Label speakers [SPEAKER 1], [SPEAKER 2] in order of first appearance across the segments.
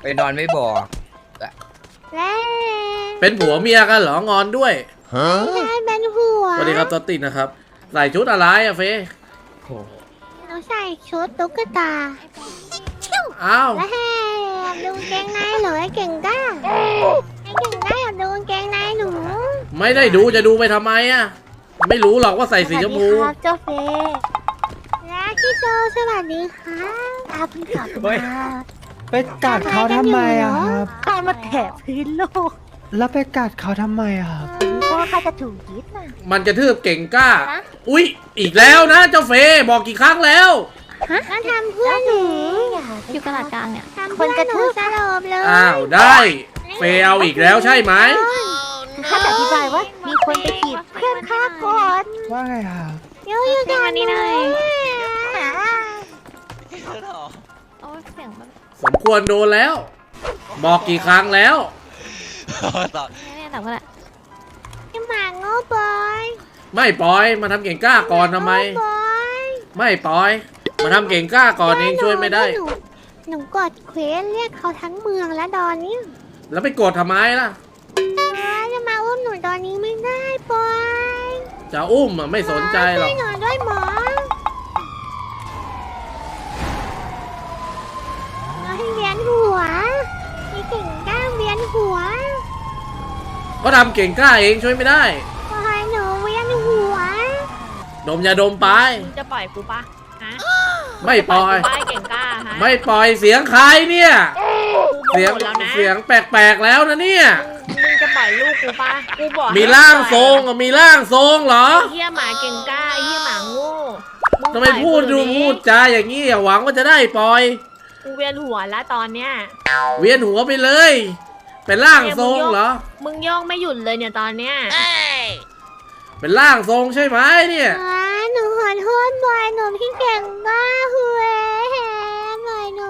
[SPEAKER 1] นอนไม่บอก
[SPEAKER 2] แล้ว
[SPEAKER 3] เป็นผัวเมียกันเหรองอนด้วย
[SPEAKER 2] ใช่เป็นหัว
[SPEAKER 3] สวัสดีครับตัวติดนะครับใส่ชุดอะไรอะเฟ
[SPEAKER 2] หนูใส่ชุดตุ๊กตา
[SPEAKER 3] อ้าว
[SPEAKER 2] แล้วให้ดูเกงในหนูไอ้เก่งก้าไอ้เก่งก้าอยากดูเกงในหนู
[SPEAKER 3] ไม่ได้ดูจะดูไปทำไมอะไม่รู้หรอกว่าใส่สีชมพู
[SPEAKER 2] สวัสดีครับเจ้าเฟย์และพี่โจสวัสดีค่ะตาเพิ่งกลับมา
[SPEAKER 4] ไปกัดเขาทำไมอะครับ
[SPEAKER 2] ข้ามาแถบพื้นโลก
[SPEAKER 4] แล้วไปกัดเขาทำไมอะครับ
[SPEAKER 2] เพราะว่าข้าจะถูกยึดน่ะ
[SPEAKER 3] มันกระทืบเก่งกล้า อุ๊ยอีกแล้วนะเจ้าเฟบอกกี่ครั้งแล้ว
[SPEAKER 2] แล้วทำเพื่อนหนู
[SPEAKER 5] อยู่กระดาษกลางเนี่ย
[SPEAKER 2] ทำเพื่อนหนูสลบเลย
[SPEAKER 3] อ้าวได้เฟเอาอีกแล้วใช่ไหม
[SPEAKER 2] ข้าจะอธิบายว่ามีคนไปจีบเพื่อนข้าก่อน
[SPEAKER 4] ว่าไงครับ
[SPEAKER 2] อยู่ๆกันนี่เลย
[SPEAKER 5] โอ้ยเสียงแบบ
[SPEAKER 3] สมควรโดนแล้ว บอกกี่ครั้งแล้ว
[SPEAKER 5] เนี่ยแต่ว่าแหละ
[SPEAKER 2] พี่หมาโง่บอย
[SPEAKER 3] ไม่ปล่อยมาทำเก่งกล้าก่อนทำไม
[SPEAKER 2] โง่บอย
[SPEAKER 3] ไม่ปล่อย มาทำเก่งกล้าก่อนเองช่วยไม่ได้
[SPEAKER 2] หนูกดเควสเรียกเขาทั้งเมืองแล้วตอนนี้
[SPEAKER 3] แล้วไปกดทำไมล่ะ
[SPEAKER 2] จะมาอุ้มหนูตอนนี้ไม่ได้บอย
[SPEAKER 3] จะอุ้มอะไม่สนใจหรอก
[SPEAKER 2] ช่วยหนูด้วยหมอน้อยเวียนหัวมีเก่งกล้าเวียนหัว
[SPEAKER 3] เขาทำเก่งกล้าเองช่วยไม่ได้
[SPEAKER 2] บอยหนูเวียนหัว
[SPEAKER 3] ดมยาดมไป
[SPEAKER 5] มึงจะปล่อยกูปะฮะ
[SPEAKER 3] ไม่ปล่อย
[SPEAKER 5] ป้ายเก่งกล้าฮะ
[SPEAKER 3] ไม่ปล่อยเสียงใครเนี่ย
[SPEAKER 5] กู
[SPEAKER 3] เสียง
[SPEAKER 5] บอกแล้วนะ
[SPEAKER 3] เสียงแปลกๆแล้วนะเนี่ย
[SPEAKER 5] มึงจะปล่อยลูกกูปะกูบอก
[SPEAKER 3] มีร่างทรงอะมีร่างทรงเหรอ
[SPEAKER 5] ไอ้เหี้ยหมาเก่งกล้าไอ้เหี้ยหมาโง่ง
[SPEAKER 3] ทำไม
[SPEAKER 5] ปล่อย
[SPEAKER 3] พูดดู
[SPEAKER 5] กูเยวนี้
[SPEAKER 3] พูดจาอย่างนี้อะหวังว่าจะได้ปล่อย
[SPEAKER 5] กูเวียนหัวแล้วตอนเนี้ย
[SPEAKER 3] เวียนหัวไปเลย เป็นร่างทรงเหรอ
[SPEAKER 5] มึงโย่องไม่หยุดเลยเนี่ยตอนเนี้ย
[SPEAKER 3] เป็นร่างทรงใช่ไหมเนี่ย
[SPEAKER 2] หนูขอโทษบอยหนูพี่เก่งมากคุยบอยหนู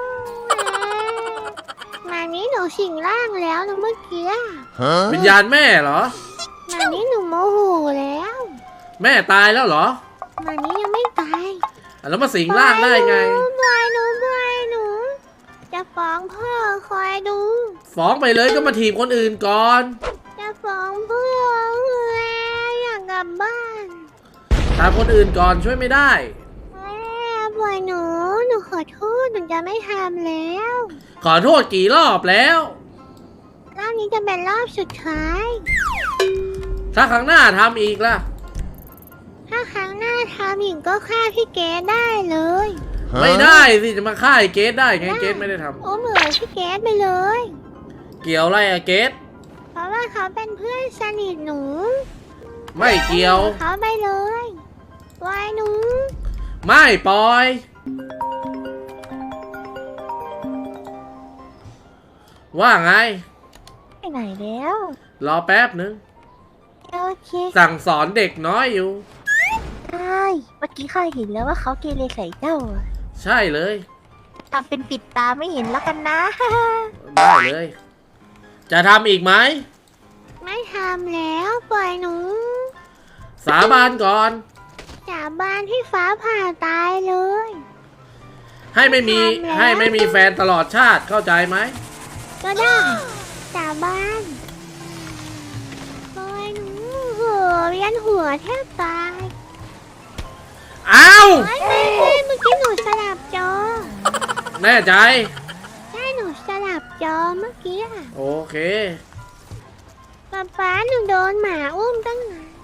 [SPEAKER 2] มานี้หนูสิงร่างแล้วนะเมื่อกี้
[SPEAKER 3] วิญญาณแม่เหรอ
[SPEAKER 2] มานี้หนูโมโหแล้ว
[SPEAKER 3] แม่ตายแล้วเหรอ
[SPEAKER 2] มานี้ยังไม่ตาย
[SPEAKER 3] แล้วมาสิงร่างได้ไง
[SPEAKER 2] บอยหนูจะฟ้องพ่อคอยดู
[SPEAKER 3] ฟ้องไปเลยก็มาถีบคนอื่นก่อน
[SPEAKER 2] จะฟ้องพ่ออยากกลับบ้าน
[SPEAKER 3] ถามคนอื่นก่อนช่วยไม่ได้
[SPEAKER 2] บอยหนูขอโทษหนูจะไม่ทำแล้ว
[SPEAKER 3] ขอโทษกี่รอบแล้ว
[SPEAKER 2] รอบนี้จะเป็นรอบสุดท้าย
[SPEAKER 3] ถ้าครั้งหน้าทำอีกล่ะ
[SPEAKER 2] ถ้าครั้งหน้าทำอีกก็ฆ่าพี่เกดได้เลย
[SPEAKER 3] ไม่ได้สิจะมาฆ่าไอ้เกสได้ไงเกสไม่ได้ทำ
[SPEAKER 2] โอ้เหมือนพี่เกดไปเลย
[SPEAKER 3] เกี่ยวอะไรอะเกส
[SPEAKER 2] เพราะว่าเขาเป็นเพื่อนสนิทหนู
[SPEAKER 3] ไม่เกี่ยว
[SPEAKER 2] เขาไปเลยบอยหนู
[SPEAKER 3] ไม่ปล่อย ว่าไง
[SPEAKER 2] ไปไหนแล้ว
[SPEAKER 3] รอแป๊บนึง
[SPEAKER 2] โอเค
[SPEAKER 3] สั่งสอนเด็กน้อยอยู่
[SPEAKER 2] ได้เมื่อกี้ข้าเห็นแล้วว่าเขาเกเรใส่เจ้า
[SPEAKER 3] ใช่เลย
[SPEAKER 2] ทำเป็นปิดตาไม่เห็นแล้วกันนะ
[SPEAKER 3] ได้เลย จะทำอีกไหม
[SPEAKER 2] ไม่ทำแล้วปล่อยหนู
[SPEAKER 3] สาบานก่อน
[SPEAKER 2] สาบานให้ฟ้าผ่าตายเลย
[SPEAKER 3] ให้ไม่มี
[SPEAKER 2] ทำแล้ว
[SPEAKER 3] ให้ไม่มีแฟนตลอดชาติเข้าใจไหม
[SPEAKER 2] ก็ได้สาบานปล่อยหนูเวียนหัวแทบตาย
[SPEAKER 3] อ้าว
[SPEAKER 2] ไม่เมื่อกี้หนูสลับจอ
[SPEAKER 3] แน่ใจ
[SPEAKER 2] ใช่หนูสลับจอเมื่อกี้อะ
[SPEAKER 3] โอเค
[SPEAKER 2] ป๊าป๊าหนูโดนหมาอุ้มตั้งนาน